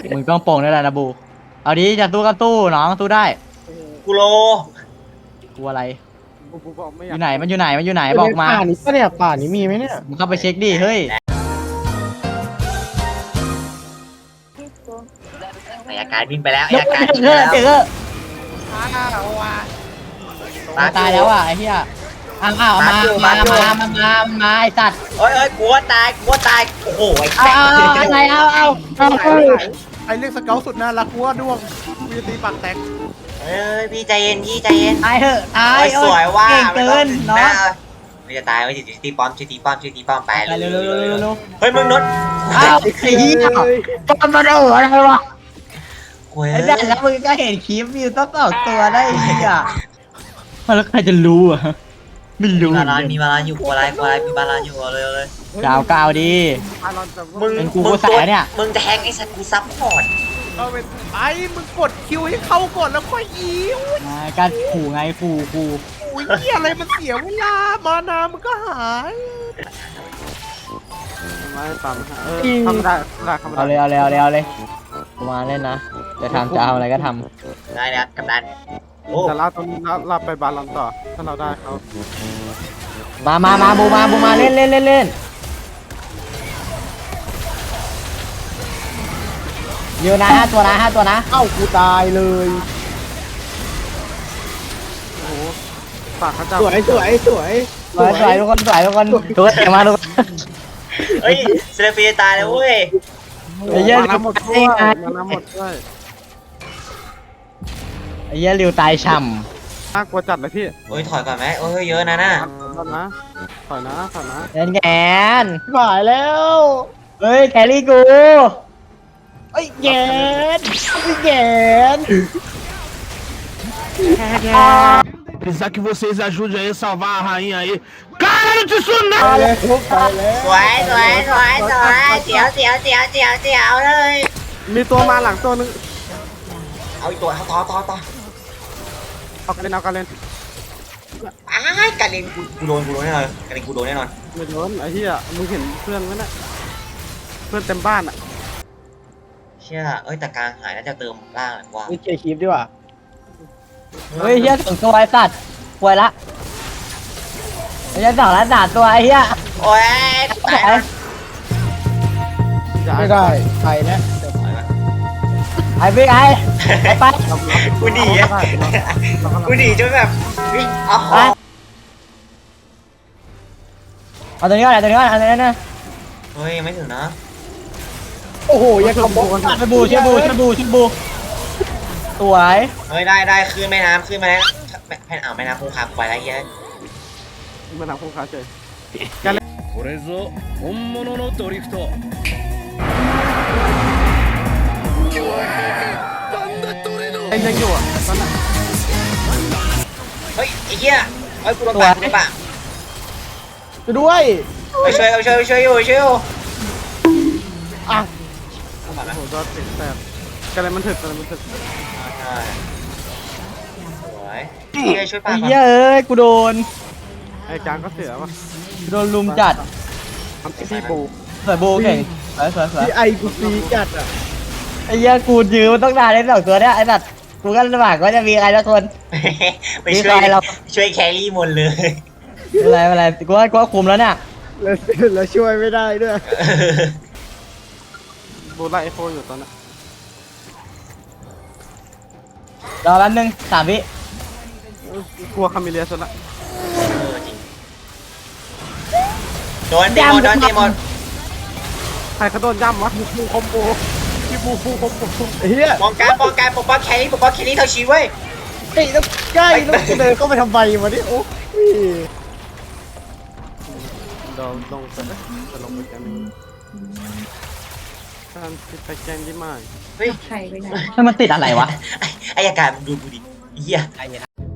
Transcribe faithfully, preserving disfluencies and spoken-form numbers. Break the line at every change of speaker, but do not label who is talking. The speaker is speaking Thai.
มึงต้องโป่งได้แหละนะบูเอาดิจะตู้ก็ตู้น้องตู้ได้
กูโล
กูอะไร
กูกูบอกไม่อ
อย
าก
ยู่ไหนมันอยู่ไหนมันอยู่ไหนบอกมา
ป่านี้ปะเนี่ยป่านี้มีไหมเนี่ย
มึงเข้าไปเช็คดิเฮ้ย
อายการบินไปแล้ว
เดี๋ย
อาว การบิน
เจ
ไป
อ
แล้ว
เจอ
มา
ตายแล้วอ่ะไอ้เหี้ยอ้าวอ้าวมามามามามามาไอ้สัตว์
โอ้ยโอ้ยกลัวตายกลัวตายโอ้โหไอ้
เอาเอาเอาอะไรเอาเอาเอาเอา
ไอ้เรื่องสเกลสุดน่ารักกูว่าด้วงกูจะตีปากแตก
เอ้ยพี่ใจเย็นพี่ใจเย็น
ตายเถอะตาย
โอ้ยสวยว่า
เก่งเกินเนาะ
ไม่จะตายไม่จะตีป้อมช่วยตีป้อมช่วยตีป้อมไป
ไปเร็วเร็วเร็วเร็วเร็ว
เฮ้ยมึงนด
อ้าวไอ้เหี้ยมันมันเอาอะไรวะ
โอ้ย
ไอ้แบนแล้วมึงก็เห็นคลิปวิวต้องสองตัวได้ไอ้เหี้ยแล้วใครจะรู้อ่ะไม่
มี
รู้
บาลานมีบาลานอยู่กลัวอะไรกลัวอะไรมีบาลานอยู่เลยเลย
กาวกาวดี
อารอนจะ
มึง
เป็นกู
มึง
กูใส่เนี่ย
มึงแทงไอ้สัตว์กูซับพอร์ต
เอาเป็นไอ้มึงกดคิวให้เขาก่อนแล้วค่อยอีอุ้ย
อ่าการขู่ไงขู่ขู่
อุ้ยเหี้ยอะไรมันเสียเวลามานามันก็หายไม่ตามเออทำได้ได้ทำได้
เอาเลยเอาเลยเอาเลยเอาเลยกูมาเล่นนะจะทำจะทำอะไรก็ท
ได้แล้วกำนันโอ้
แต่เราต้องเราไปบาลอนต่อถ้าเราได้เขา
ำมามามาบูมาบูมาเล่นเล่นเล่นเล่นเยอะนะห้าตัวนะห้าตัวนะ
เอ้ากูตายเลย
โอ้โหปากเขาจะ
สวยสวยสวย
สวยสวยทุกคนสวยทุกคนทุกคนเต็มมาทุกคน
เฮ้ยเซเลฟีจะตายแล้วเว้ย
ไอ้เหี้ย
มาน้ำหมดด้วยมาน้ำหมดด้วย
ไอ้เหี้ยริวตายช่
น่ากลัวจัดเลยพี่
โอ้ยถอยก่อนไหมโอ้ยเยอะนะน่ะ
ถอยนะถอยนะถอยนะ
ำเล่นแกน
หายแล้ว
เฮ้ยแครี่กูเอ้ยแกนเอ้ยแกน
Precisar que vocês ajudem aí a salvar a rainha aí. Cara de tsunami!
ตายแล้วตายแล้ว
สวยสวยสวยสวยเจียวเจียวเจียวเจียวเจียวเลย
มีตัวมาหลังตัวนึง
เอาอีกตัวเอาต่อต่อต่อ
เอากันเล่นเอากันเล่น
อ้ายการเล่นกูกูโดนกูโดนแน่นอนการเล่นกูโดนแน่นอน
ไม่โดนไอ้เหี้ยมึงเห็นเพื่อนไหมน่ะเพื่อนเต็มบ้านอ่ะ
เชื่อเอ้ยแต่กลางหายน่าจะเติมล่างแหละว่า
นี่เคลียร์คลิปดีกว่า
เฮ้ยเหี้ยสองตัวไอ้สัตว์ป่วยละไอ้เหี้ยสองละสามตัวไอ้เหี้ย
โอ้ยตายแล้ว
อย่า
ไม่ได้ไปนะ
ไอ้พี่ไอ้ไอ้ไป
กูหนีอะกูหนีจนแบบวิ่งอ๋อ
ไปเอาตัวนี้ก่อนเอาตัวนี้ก่อนเอาตัวนี้นะ
เฮ้ยยังไม่ถึงนะ
โอ้โหยังกระบอก
ช่วยบูช่วยบูช่วยบูช่วยบูสวย
เฮ้ยได้ได้ขึ้นแม่น้ำขึ้นแม่น้ำแม่แม่อ่าวแม่น้ำคงคากูไปแล้วเหี้ย
มาทำคู่ค้าเฉย
これぞ本物のドリフト。
ไอ้ยังอยู่อ่ะตอนนั้น
เฮ้ยไอ้เหี้ยเฮ้ยกูโดนปาดกูโดนปาด
ไปด้วย
ไปช่วยเอาช่วยช่วยอยู่ช่วยอยู่
อ่ะ
โดนปาดไหม
โอ้โหตัวติดแสบกันอะไรมันถึกกันอะไรมันถึก
ใช่สวยเหี้ยช่วยปา
ไอ้
ดก่อน
เหี้ยเอ้ยกูโดน
ไอ้จางก็เสียว่ะ
กูโดนลุมจัด
ทำที่ปู
สวยบูเก่งสวยสวยสวย
ที่ไอกูซีจัดอ่ะ
ไอ้เหี้ยกูยืนมันต้องนานได้สองตัวเนี่ยไอ้สัตว์กูก็ลำบากว่าจะมีใครสักคน
ไปช่วย
มีใครเรา
ช่วยแครี่หมดเลย
ไม่เป็นไรไม่เป็นไรกูว่ากูว่าคุมแล้วเนี่ย
แล้วแล้วช่วยไม่ได้ด้วย
บูไล่ไอโฟอยู่ตอนนั้น
รอแป๊บนึงสามวิ
กลัวคามิเลียสุดละ
เออจริงโดนเดมอนโดนเดมอน
ใครเขาโดนย่ำวะบูคอมโบพี่บูฟูคอมโบ
เฮีย
ป้องกันป้องกันปกป้องแครี่ปกป้องแครี่เท่าชีวิตเว้ย
ไอ้ต้องใกล้ต้องเดินเข้าไปทำไมวะนี่โอ้ย
เดี๋ยวลงไปเลยจะลงไปแกมการติดไปแกมยี่มาก
เฮ้ย
ให้มันติดอะไรวะ
ไอ้อายการมึงดูกูดิเหี้ย